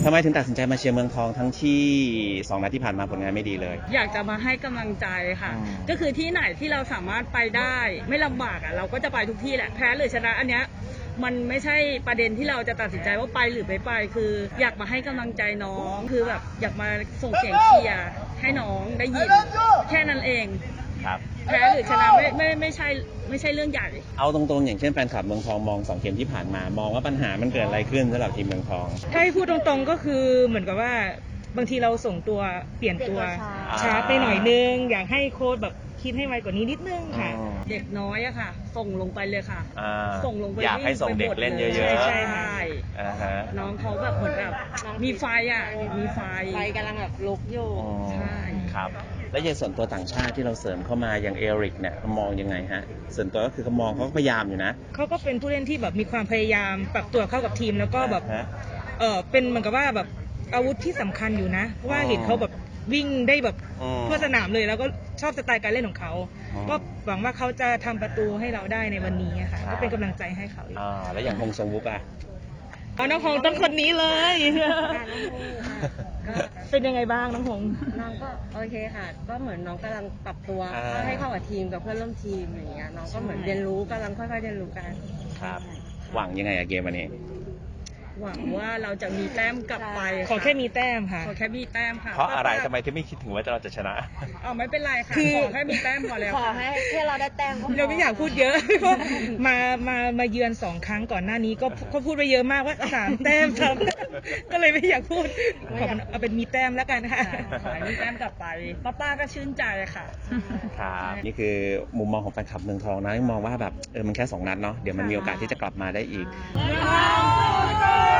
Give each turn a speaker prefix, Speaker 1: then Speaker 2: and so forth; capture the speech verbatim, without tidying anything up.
Speaker 1: ทำไมถึงตัดสินใจมาเชียร์เมืองทองทั้งที่สองนัดที่ผ่านมาผลงานไม่ดีเลย
Speaker 2: อยากจะมาให้กำลังใจค่ะก็คือที่ไหนที่เราสามารถไปได้ไม่ลำบากอ่ะเราก็จะไปทุกที่แหละแพ้หรือชนะอันเนี้ยมันไม่ใช่ประเด็นที่เราจะตัดสินใจว่าไปหรือไม่ไปคืออยากมาให้กำลังใจน้องคือแบบอยากมาส่งเสียงเชียร์ให้น้องได้ยินแค่นั้นเอง
Speaker 1: ครับ
Speaker 2: แพ้หรือชนะไม่ไม่ไม่ใช่ไม่ใช่เรื่องใหญ่
Speaker 1: เอาตรงๆอย่างเช่นแฟนคลับเมืองทองมองสองเกมที่ผ่านมามองว่าปัญหามันเกิดอะไรขึ้นสำหรับทีมเมืองทอง
Speaker 3: ถ้าให้พูดตรงๆก็คือเหมือนกับว่าบางทีเราส่งตัวเปลี่ยนตัวช้าไปหน่อยนึงอยากให้โค้ชแบบคิดให้ไวกว่านี้นิดนึงค่ะ
Speaker 2: เด็กน้อยอะค่ะส่งลงไปเลยค่ะส่งลงไป
Speaker 1: อยากให้ส่งเด็กเล่นเยอะๆ
Speaker 2: ใช่ใช่น้องเขาแบบเหมือนแบบมีไฟอะมีไฟ
Speaker 4: ไฟกำลังแบบลุกอยู่
Speaker 2: ใช่
Speaker 1: ครับแล้วอย่างส่วนตัวต่างชาติที่เราเสริมเข้ามาอย่างเอริกเนี่ยเขามองยังไงฮะส่วนตัวก็คือเขามองเขาพยายามอยู่นะ
Speaker 3: เขาก็เป็นผู้เล่นที่แบบมีความพยายามปรับตัวเข้ากับทีมแล้วก็แบบเออเป็นเหมือนกับว่าแบบอาวุธที่สำคัญอยู่นะว่าเห็นเขาแบบวิ่งได้แบบทั่วสนามเลยแล้วก็ชอบสไตล์การเล่นของเขาก็หวังว่าเขาจะทำประตูให้เราได้ในวันนี้ค่ะก็เป็นกำลังใจให้เขา
Speaker 1: อ่าแล้วอย่างฮงซงวุกอ่ะ
Speaker 3: เอาน้องฮงต้องคนนี้เลยเป็นยังไงบ้างน้องฮง
Speaker 4: น้องก็โอเคค่ะก็เหมือนน้องกำลังปรับตัวให้เข้ากับทีมกับเพื่อนร่วมทีมอย่างเงี้ยน้องก็เหมือนเรียนรู้กำลังค่อยๆเรียนรู้กัน
Speaker 1: ครับหวังยังไงอะเกมวันนี้
Speaker 2: หวังว่าเราจะมีแต้มกลับไป
Speaker 3: ขอแค่มีแต้มค่ะ
Speaker 2: ขอแค่มีแต้มค่ะ
Speaker 1: เพราะอะไรทำไมถึงไม่คิดถึงว่าเราจะชนะ
Speaker 2: อ๋อไม่เป็นไรค่ะขอแค่มีแต้มพอแล้ว
Speaker 4: ขอให้แค่เราได้แต้ม
Speaker 3: เราไม่อยากพูดเยอะเพราะมามามาเยือนสองครั้งก่อนหน้านี้ก็ก็พูดไปเยอะมากว่าสามแต้มครับก็เลยไม่อยากพูดขอเอาเป็นมีแต้มแล้วกันค่ะ
Speaker 2: ขอมีแต้มกลับไปป้าป้าก็ชื่นใจค่ะ
Speaker 1: ครับนี่คือมุมมองของแฟนคลับเมืองทองนะมองว่าแบบเออมันแค่สองนัดเนาะเดี๋ยวมันมีโอกาสที่จะกลับมาได้อีก